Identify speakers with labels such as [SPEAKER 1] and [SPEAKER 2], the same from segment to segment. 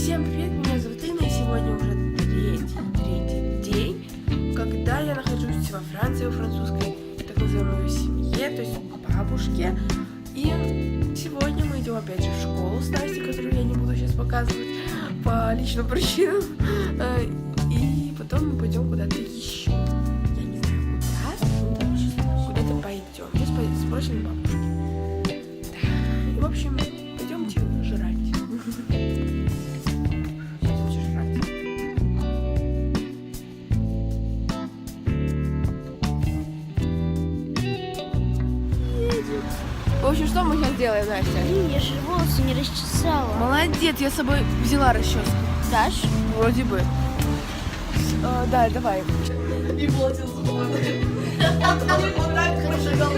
[SPEAKER 1] Всем привет, меня зовут Инна, и сегодня уже третий день, когда я нахожусь во Франции, во французской так называемой семье, то есть у бабушки. И сегодня мы идем опять же в школу с Настей, которую я не буду сейчас показывать по личным причинам. И потом мы пойдем куда-то еще. Я не знаю куда, куда-то пойдем. Мы спросим бабушки. Да. И в общем, пойдемте жрать. В общем, что мы сейчас делаем, Настя?
[SPEAKER 2] Блин, я же волосы не расчесала.
[SPEAKER 1] Молодец, я с собой взяла расческу.
[SPEAKER 2] Дашь?
[SPEAKER 1] Вроде бы. Да, давай.
[SPEAKER 3] И платил за планы. Вот так хорошо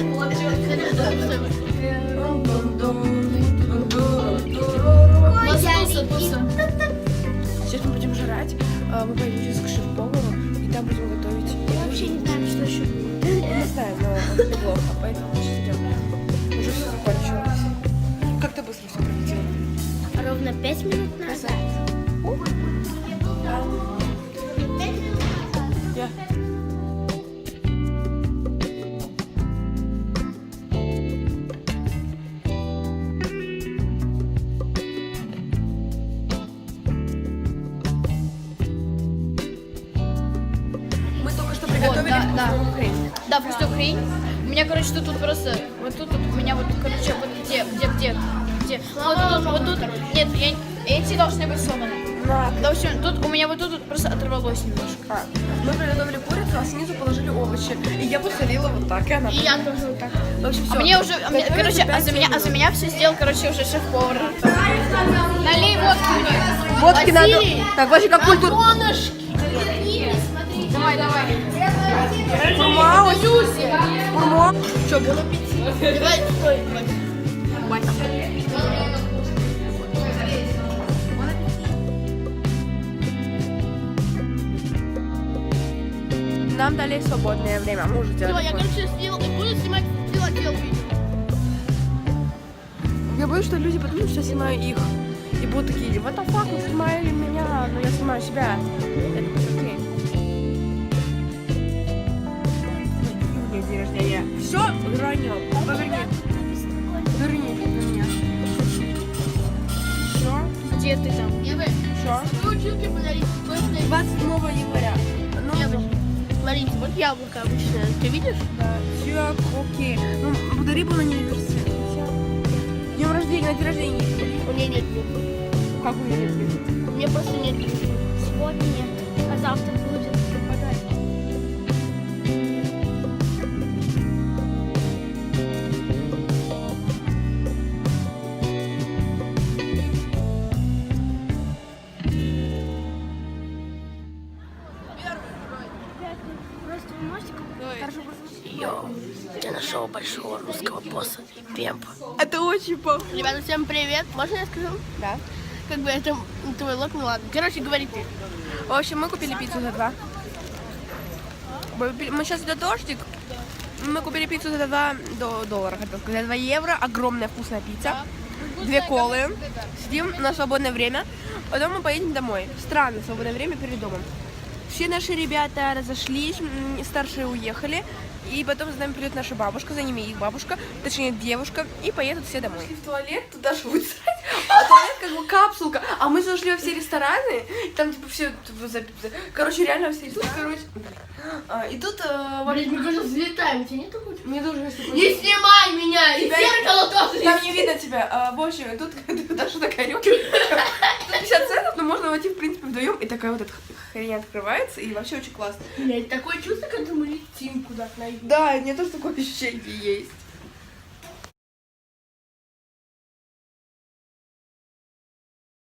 [SPEAKER 1] Сейчас мы будем жрать. Мы пойдем сейчас к шеф-повару, и там будем готовить.
[SPEAKER 2] Я вообще не знаю, что еще будет.
[SPEAKER 1] Не знаю, но неплохо, поэтому мы сейчас идем. Уже все закончилось. Как ты быстро все пролетела?
[SPEAKER 2] Ровно 5 минут назад.
[SPEAKER 1] Я. Мы только что приготовили вкусную хрень.
[SPEAKER 3] Да, вкусную хрень. У меня, короче, тут просто, вот тут у меня вот, короче, вот где? Вот тут, нет, эти должны быть сломаны.
[SPEAKER 1] На.
[SPEAKER 3] В общем, тут у меня вот тут просто оторвалось немножко.
[SPEAKER 1] Мы приготовили курицу, а снизу положили овощи. И я посолила вот так, и она.
[SPEAKER 3] И я тоже вот так.
[SPEAKER 1] В общем,
[SPEAKER 3] А
[SPEAKER 1] все.
[SPEAKER 3] мне уже, короче, за меня все сделал, короче, уже шеф-повар. Налей водки мне.
[SPEAKER 1] Водки надо.
[SPEAKER 3] Василий!
[SPEAKER 1] Так, вообще как культура.
[SPEAKER 3] Давай.
[SPEAKER 1] Фурма, фурма. Что, было?
[SPEAKER 3] Давай, стой.
[SPEAKER 1] Нам дали свободное время. Мы уже делали.
[SPEAKER 3] Я, короче, буду снимать видео.
[SPEAKER 1] Я боюсь, что люди подумают, что я снимаю их. И будут такие, what the fuck, вы снимали меня, но я снимаю себя. Это будет окей. У меня день рождения. Все, ранил. Поверни. Верни меня. Все.
[SPEAKER 3] Где ты там?
[SPEAKER 1] Все.
[SPEAKER 3] Училки подарить.
[SPEAKER 1] 27 января. Ну,
[SPEAKER 3] Смотрите, вот яблоко обычное. Ты видишь?
[SPEAKER 1] да. Все, окей. Ну, подари было на университет. Днем рождения, на день рождения.
[SPEAKER 3] У меня нет.
[SPEAKER 1] Как у меня нет?
[SPEAKER 3] У меня просто нет.
[SPEAKER 2] Сегодня нет, а завтра будет. Просто вы можете хорошо послушать?
[SPEAKER 3] Я нашел большого русского босса. Пемпа.
[SPEAKER 1] Это очень похоже.
[SPEAKER 3] Ребята, всем привет. Можно я скажу?
[SPEAKER 1] Да.
[SPEAKER 3] Как бы это твой лог, ну ладно. Короче, говори ты.
[SPEAKER 1] В общем, мы купили пиццу за 2. Мы сейчас идет дождик. Мы купили пиццу за 2 доллара, хотел сказать, за 2 евро. Огромная вкусная пицца. 2 колы. Сидим на свободное время. Потом мы поедем домой. Странное свободное время перед домом. Все наши ребята разошлись, старшие уехали. И потом за нами придет наша бабушка, за ними их бабушка, точнее девушка, и поедут все домой. В туалет, туда же будет срать, а туалет как бы капсулка. А мы зашли во все рестораны, и там типа все, короче, реально все рестораны. И тут,
[SPEAKER 3] Блин, мы тоже взлетаем. У тебя нет такого?
[SPEAKER 1] мне тоже есть такой-
[SPEAKER 3] Не снимай меня! И
[SPEAKER 1] Тебя-
[SPEAKER 3] зеркало тоже
[SPEAKER 1] Там не видно тебя. В общем, тут Даша такая рюмка. Тут 50 центов, но можно войти, в принципе, вдвоем. И такая вот эта хрень открывается, и вообще очень классно.
[SPEAKER 3] Блять, такое чувство, когда мы летим куда-то на юг.
[SPEAKER 1] Да, у меня тоже такое ощущение есть.